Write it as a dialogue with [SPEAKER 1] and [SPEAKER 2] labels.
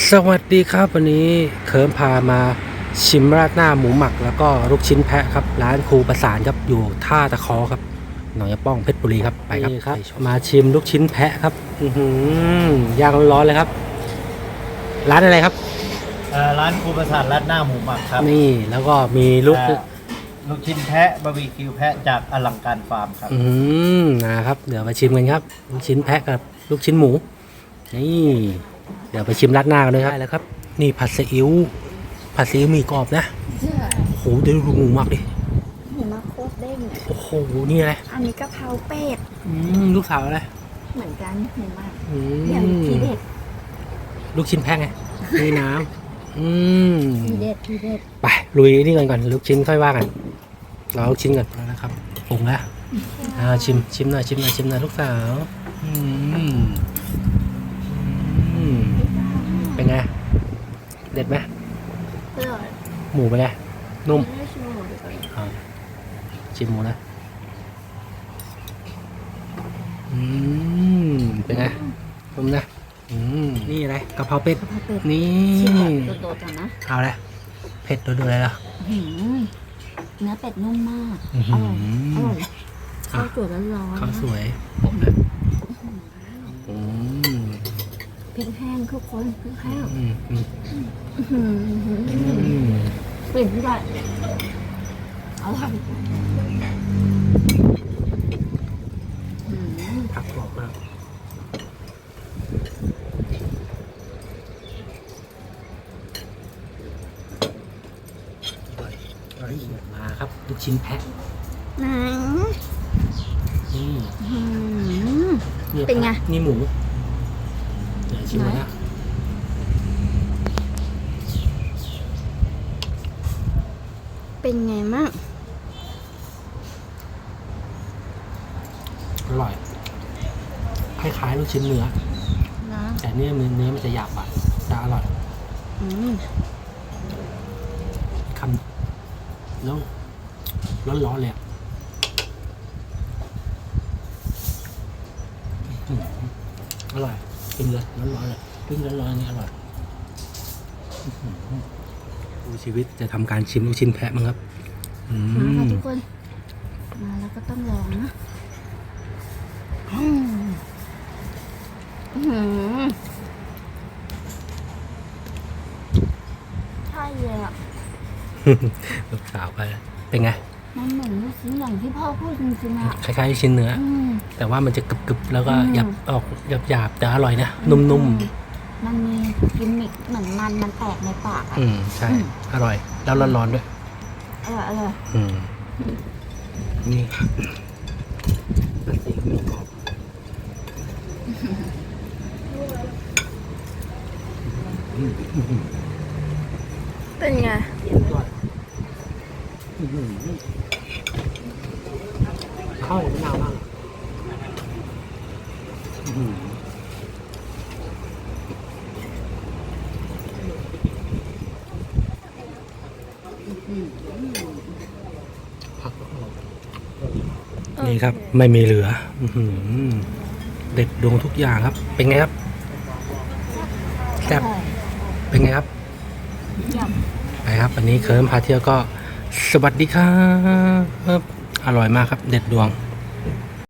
[SPEAKER 1] สวัสดีครับวันนี้เคิร์มพามาชิมราดหน้าหมูหมักแล้วก็ลูกชิ้นแพะครับร้านครูประสานครับอยู่ท่าตะคอครับหนองยะป้องเพชรบุรีครับไปครับมาชิมลูกชิ้นแพะครับย่างร้อนๆเลยครับร้านอะไรครับ
[SPEAKER 2] ร้านครูประสานราดหน้าหมูหมักครับ
[SPEAKER 1] นี่แล้วก็มีลูก
[SPEAKER 2] ชิ้นแพะบาร์บีคิวแพะจากอลังการฟาร์มครับ
[SPEAKER 1] นะครับเดี๋ยวมาชิมกันครับลูกชิ้นแพะกับลูกชิ้นหมูนี่เดี๋ยวไปชิมราดหน้ากันเลยครับได้แล้วครับนี่ผัดซีอิ๊วหมี่กรอบนะโอ้โหเดี๋ยวดูหมูหมักดิ
[SPEAKER 3] หมูมาโคตรเด้ง
[SPEAKER 1] โอ้โหนี่อะไร
[SPEAKER 3] อันนี้กะเพราเป็ด
[SPEAKER 1] ลูกสาวอะไร
[SPEAKER 3] เหมือนกันหมูหมักอย่างทีเด็ด
[SPEAKER 1] ลูกชิ้นแพะไงมีน้ำ
[SPEAKER 3] ทีเด็ด
[SPEAKER 1] ไปลุยนี่ก่อนลูกชิ้นค่อยว่ากันรอลูกชิ้นก่อนนะครับปรุงแล้วชิมหน่อยลูกสาวเป็นไงเด็ดไหมหมูเป็นไงนุ่มชิมหมูนะเป็นไงนุ่มนะนี่อะไรกะเพราเป็ดนี่
[SPEAKER 3] โดดๆกันนะ
[SPEAKER 1] เอาเลยเผ็ดโดดๆเลยเหรอ
[SPEAKER 3] เนื้อเป็ดนุ่มมากอร่อยข้าวสวยร้อน
[SPEAKER 1] ข้าวสวยผมนะ
[SPEAKER 3] พริกแห้งทุกคนพริกแห้งปิ่นด้วยอร่อย
[SPEAKER 1] ผักกรอบมากมาครับลูกชิ้นแพะ
[SPEAKER 3] เป็นไง
[SPEAKER 1] นี่หมูเดี๋ยวชิมนะ
[SPEAKER 3] เป็นไงมั่ง
[SPEAKER 1] อร่อยคล้ายๆลูกชิ้นเนื้อแต่เนื้อมันจะหยาบอ่ะจะอร่อยคำแล้วร้อนๆเลยอร่อยกินเลยร้อนๆเลยกินร้อนๆนี่อร่อยดูชีวิตจะทำการชิมลูกชิ้นแพะมั้งครับ
[SPEAKER 3] มาค่ะทุกคนมาแล้วก็ต้องลองนะใช่เลยอ่ะ
[SPEAKER 1] ลูกสาวไปเป็นไง
[SPEAKER 3] มันเหมือนลูกชิ้นอย่างที่พ่อพูดจริงๆอ่ะ
[SPEAKER 1] คล้ายๆชิ้นเนื้อแต่ว่ามันจะกรึบๆแล้วก็หยาบแต่อร่อยนะนุ่ม
[SPEAKER 3] ๆมันมีกิมมิคเหมือนมันแตกในปาก
[SPEAKER 1] ใช่อร่อยแล้วร้อนๆด้วย
[SPEAKER 3] อร่อย
[SPEAKER 1] นี่ผัดซีอิ๊วหมี่กรอบ
[SPEAKER 3] เป็นไง
[SPEAKER 1] ข้าวมะนาวมากนี่ครับไม่มีเหลือเด็ดดวงทุกอย่างครับเป็นไงครับแซ่บเป็นไงครับไปครับวันนี้เคิร์มพาเที่ยวก็สวัสดีครับอร่อยมากครับเด็ดดวง